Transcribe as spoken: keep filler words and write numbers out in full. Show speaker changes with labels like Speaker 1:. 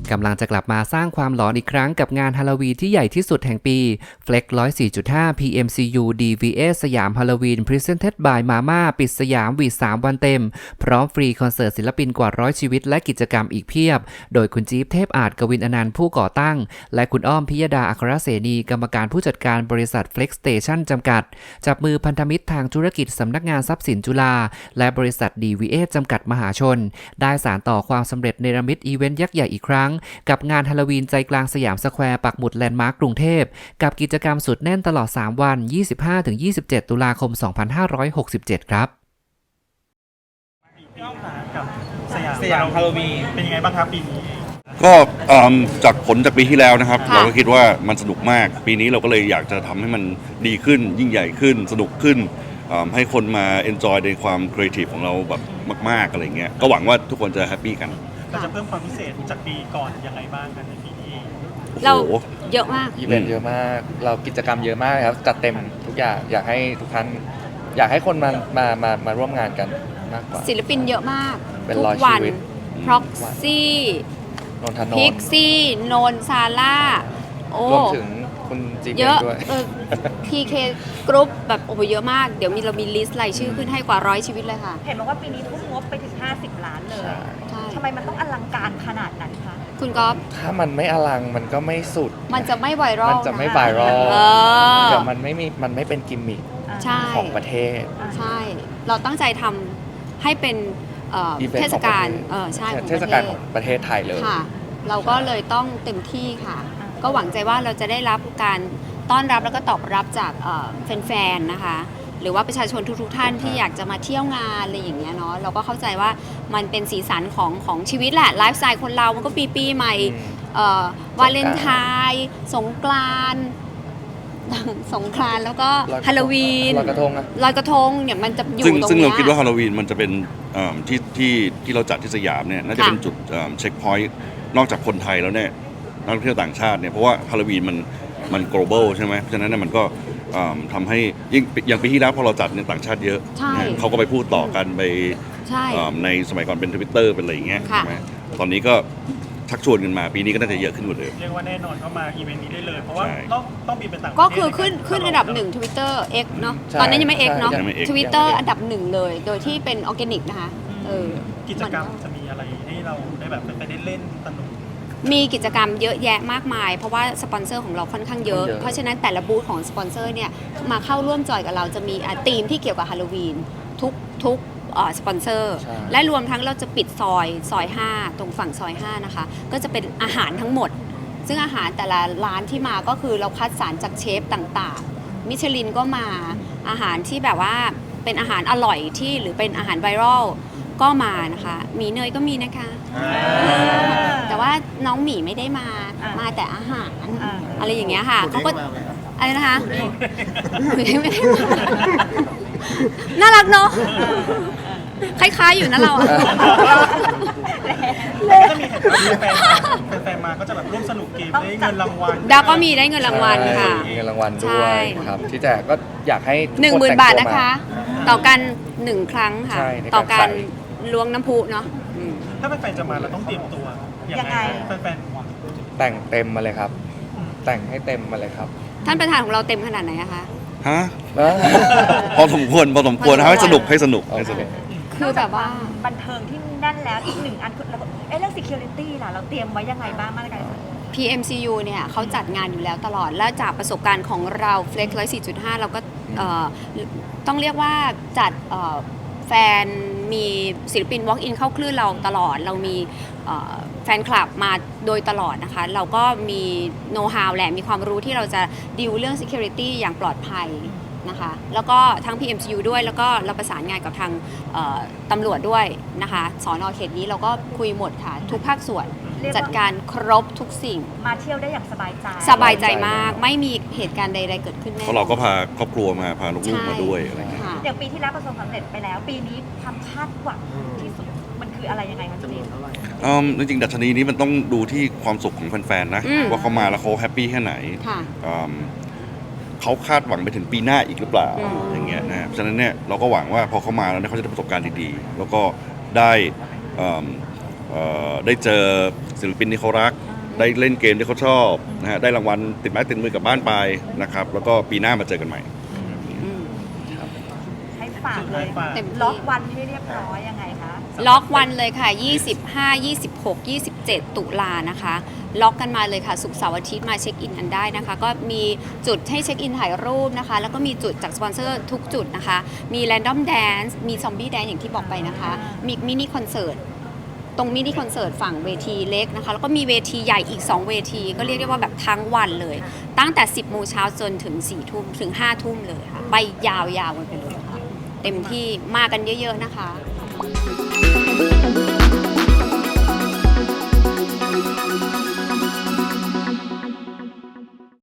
Speaker 1: กำลังจะกลับมาสร้างความหลอนอีกครั้งกับงานฮาโลวีนที่ใหญ่ที่สุดแห่งปี Flex หนึ่งร้อยสี่จุดห้า พี เอ็ม ซี ยู ดี วี เอส สยามฮาโลวีน Presented by Mama ปิดสยามวีสามวันเต็มพร้อมฟรีคอนเสิร์ตศิลปินกว่าร้อยชีวิตและกิจกรรมอีกเพียบโดยคุณจี๊บเทพอาจกวินอนันต์ผู้ก่อตั้งและคุณอ้อมพิยดาอัครเสนีกรรมการผู้จัดการบริษัท Flex Station จำกัดจับมือพันธมิตรทางธุรกิจสำนักงานทรัพย์สินจุฬาและบริษัท ดี วี เอส จำกัดมหาชนได้สานต่อความสำเร็จเนรมิตอีเวนต์ยักษ์ใหญ่อีกครั้งกับงานฮาโลวีนใจกลางสยามสแควร์ปักหมุดแลนด์มาร์คกรุงเทพกับกิจกรรมสุดแน่นตลอดสามวัน ยี่สิบห้าถึงยี่สิบเจ็ด ตุลาคม สองพันห้าร้อยหกสิบเจ็ด ครับ
Speaker 2: พี่อ้อมขากับสยาม
Speaker 3: สยามฮาโลวีน
Speaker 2: เป็นยังไงบ้างครับปีนี้
Speaker 4: ก็จากผลจากปีที่แล้วนะครับเราก็คิดว่ามันสนุกมากปีนี้เราก็เลยอยากจะทำให้มันดีขึ้นยิ่งใหญ่ขึ้นสนุกขึ้นให้คนมาเอนจอยในความครีเอทีฟของเราแบบมากๆอะไรเงี้ยก็หวังว่าทุกคนจะแฮปปี้กัน
Speaker 2: เราจะเพิ่มความพิเศษจากปีก่อนยังไงบ้างกันในปีนี้
Speaker 5: เราเยอะมาก
Speaker 3: อีเวนต์เยอะมากเรากิจกรรมเยอะมากครับจัดเต็มทุกอย่างอยากให้ทุกท่านอยากให้คนมามามามาร่วมงานกันมากกว่า
Speaker 5: ศิลปินเยอะมาก
Speaker 3: เป็น
Speaker 5: ทุก
Speaker 3: ร้อย
Speaker 5: วั
Speaker 3: ชีวิต
Speaker 5: พ็อกซี่
Speaker 3: นนทนนท์
Speaker 5: พิกซี่โนนซาร่าโอ้
Speaker 3: รวมถึงคุณจีเ
Speaker 5: ยอะ
Speaker 3: ด้วย
Speaker 5: พีเคกรุ๊ปแบบโอ้โหเยอะมากเดี๋ยวมีเรามีลิสต์รายชื่อขึ้นให้กว่าร้อยชีวิตเลยค่ะ
Speaker 6: เห็นบอกว่าปีนี้ทุ่มงบไปถึงห้าสิบล้านเลยทำไมมันต้องอลังการขนาดนั้นคะ
Speaker 5: คุณก๊อฟ
Speaker 3: ถ้ามันไม่อลังมันก็ไม่สุด
Speaker 5: มันจะไม่ไวรัล
Speaker 3: มันจะไม่ไวรัลเดี๋ยวมันไม่มีมันไม่เป็นกิมมิคของประเทศ
Speaker 5: ใช่เราตั้งใจทำให้เป็นเทศกาลเออใช่
Speaker 3: เทศกาลของประเทศไทยเลย
Speaker 5: ค่ะเราก็เลยต้องเต็มที่ค่ะก็หวังใจว่าเราจะได้รับการต้อนรับแล้วก็ตอบรับจากแฟนๆนะคะหรือว่าประชาชนทุกๆท่านที่อยากจะมาเที่ยวงานอะไรอย่างเงี้ยเนาะเราก็เข้าใจว่ามันเป็นสีสันของของชีวิตแหละไลฟ์สไตล์คนเรามันก็ปีปีใหม่วาเลนไทน์สงกรานต์สงกรานต์แล้วก็ฮาโลวีน
Speaker 3: ลอยกระทงอะ
Speaker 5: ลอยกระทงเนี่ยมันจะอยู่
Speaker 4: ต
Speaker 5: รงนี้
Speaker 4: ซึ่งเราคิดว่าฮาโลวีนมันจะเป็นที่ที่ที่เราจัดที่สยามเนี่ยน่าจะเป็นจุดเช็คพอยต์นอกจากคนไทยแล้วเนี่ยนักท่องเที่ยวต่างชาติเนี่ยเพราะว่าฮาโลวีนมันมัน global ใช่ไหมเพราะฉะนั้นเนี่ยมันก็ทำให้ยิ่งอย่างปีที่แล้วพอเราจัดเนี่ยต่างชาติเยอะเขาก็ไปพูดต่อกันไปในสมัยก่อนเป็น Twitter เป็นอะไรอย่างเงี้ยใช่ไหมตอนนี้ก็ชักชวนกันมาปีนี้ก็น่าจะเยอะขึ้นกว่าเดิม
Speaker 2: เรียกว่าแน่นอนเข้ามาอีเวนต์นี้ได้เลยเพราะว่าต้องต้องบินไปต่างประเทศ
Speaker 5: ก็คือขึ้นขึ้นอันดับหนึ่ง Twitter X เนาะตอนนี้ยังไม่ X เนาะ Twitter อันดับหนึ่งเลยโดยที่เป็นออร์แกนิกนะคะ
Speaker 2: กิจกรรมจะมีอะไรให้เราได้แบบไปได้เล่นสนุก
Speaker 5: มีกิจกรรมเยอะแยะมากมายเพราะว่าสปอนเซอร์ของเราค่อนข้างเยอะเพราะฉะนั้นแต่ละบูธของสปอนเซอร์เนี่ยมาเข้าร่วมจอยกับเราจะมีธีมที่เกี่ยวกับฮาโลวีนทุกทุกสปอนเซอร์และรวมทั้งเราจะปิดซอยซอยห้าตรงฝั่งซอยห้านะคะก็จะเป็นอาหารทั้งหมดซึ่งอาหารแต่ละร้านที่มาก็คือเราคัดสรรจากเชฟต่างๆมิชลินก็มาอาหารที่แบบว่าเป็นอาหารอร่อยที่หรือเป็นอาหารไวรัลก็มานะคะหมีเนยก็มีนะคะแต่ว่าน้องหมีไม่ได้มามาแต่อาหารอะไรอย่างเงี้ยค่ะเขาก็อะไรนะคะไม่ได้ไม่ได้น่ารักเนาะคล้ายๆอยู่นะเราอะ
Speaker 2: จะมีแฟนๆมาก็จะแบบร่วมสนุกเกมได้เงินรางวัล
Speaker 5: ดาวก็มีได้เงินรางวัลค่ะ
Speaker 3: มีเงินรางวัลด้วยครับที่แจกก็อยากให้
Speaker 5: หนึ่งหมื่นบาทนะคะต่อกันหนึ่งครั้งค่ะต่อการล้วงน้ำพุเนาะ
Speaker 2: ถ้าแฟนๆจะมาเราต้องเตรียมตัวยังไงแฟน
Speaker 3: ๆแต่งเต็มมาเลยครับแต่งให้เต็มมาเลยครับ
Speaker 5: ท่านประธานของเราเต็มขนาดไหนอะคะ
Speaker 4: ฮะพอสมควรพอสมควรให้สนุกให้สนุกให้สนุก
Speaker 5: คือแบบว่า
Speaker 6: บันเทิงที่แน่นแล้วอีกหนึ่งอันแล้วก็เอ๊ะเรื่อง security ล่ะเราเตรียมไว้ยังไงบ้างมาตรการ
Speaker 5: พี เอ็ม ซี ยู เนี่ยเขาจัดงานอยู่แล้วตลอดและจากประสบการณ์ของเรา Flex หนึ่งร้อยสี่จุดห้า เราก็ต้องเรียกว่าจัดแฟนมีศิลปิน walk in เข้าคลื่นเราตลอดเรามีแฟนคลับมาโดยตลอดนะคะเราก็มีโน้ตฮาวแหละมีความรู้ที่เราจะดีลเรื่อง security อย่างปลอดภัยนะคะแล้วก็ทั้ง พี เอ็ม ซี ยู ด้วยแล้วก็เราประสานงานกับทางตำรวจด้วยนะคะสน.เขตนี้เราก็คุยหมดค่ะทุกภาคส่วนจัดการครบทุกสิ่ง
Speaker 6: มาเที่ยวได้อย่างสบายใจ
Speaker 5: สบายใจมากไม่มีเหตุการณ์ใดๆเกิดขึ้นแน่
Speaker 4: เพราะเราก็พาครอบครัวมาพาลูกๆมาด้วยอะไรอย่างเงี้ย
Speaker 6: อย่างปีที่แล้วประสบความสำเร็จไปแล้วปีนี้ความคาดหวังที่สุดมันคืออะไรยังไงคะจี
Speaker 4: นจริงๆดัชนีนี้มันต้องดูที่ความสุขของแฟนๆนะว่าเขามาแล้วเขาแฮปปี้แค่ไหนเขาคาดหวังไปถึงปีหน้าอีกหรือเปล่าอย่างเงี้ยนะฉะนั้นเนี่ยเราก็หวังว่าพอเขามาแล้วเขาจะได้ประสบการณ์ดีๆแล้วก็ได้เอ่อได้เจอศิลปินที่เขารัก ได้เล่นเกมที่เขาชอบนะฮะได้รางวัลติดไม้ติดมือกลับบ้านไปนะครับแล้วก็ปีหน้ามาเจอกันใหม่
Speaker 5: อืม
Speaker 6: ให้ฝากเลย
Speaker 2: ให้ฝาก
Speaker 5: เต็มที่
Speaker 6: ล็อกวันให้เรียบร้อยยังไงคะ
Speaker 5: ล็อกวันเลยค่ะ ยี่สิบห้า ยี่สิบหก ยี่สิบเจ็ด ตุลานะคะ ล็อกกันมาเลยค่ะ ศุกร์เสาร์อาทิตย์มาเช็คอินกันได้นะคะ ก็มีจุดให้เช็คอินถ่ายรูปนะคะ แล้วก็มีจุดจากสปอนเซอร์ทุกจุดนะคะ มี Random Dance มี Zombie Dance อย่างที่บอกไปนะคะ มีมินิคอนเสิร์ต ตรงมินิคอนเสิร์ตฝั่งเวทีเล็กนะคะ แล้วก็มีเวทีใหญ่อีก สอง เวที ก็เรียกได้ว่าแบบทั้งวันเลย ตั้งแต่ สิบโมงเช้าจนถึง สี่ ทุ่มถึง ห้า ทุ่มเลยค่ะ ไปยาวๆกันไปเลยค่ะ เต็มที่มากันเยอะๆนะคะ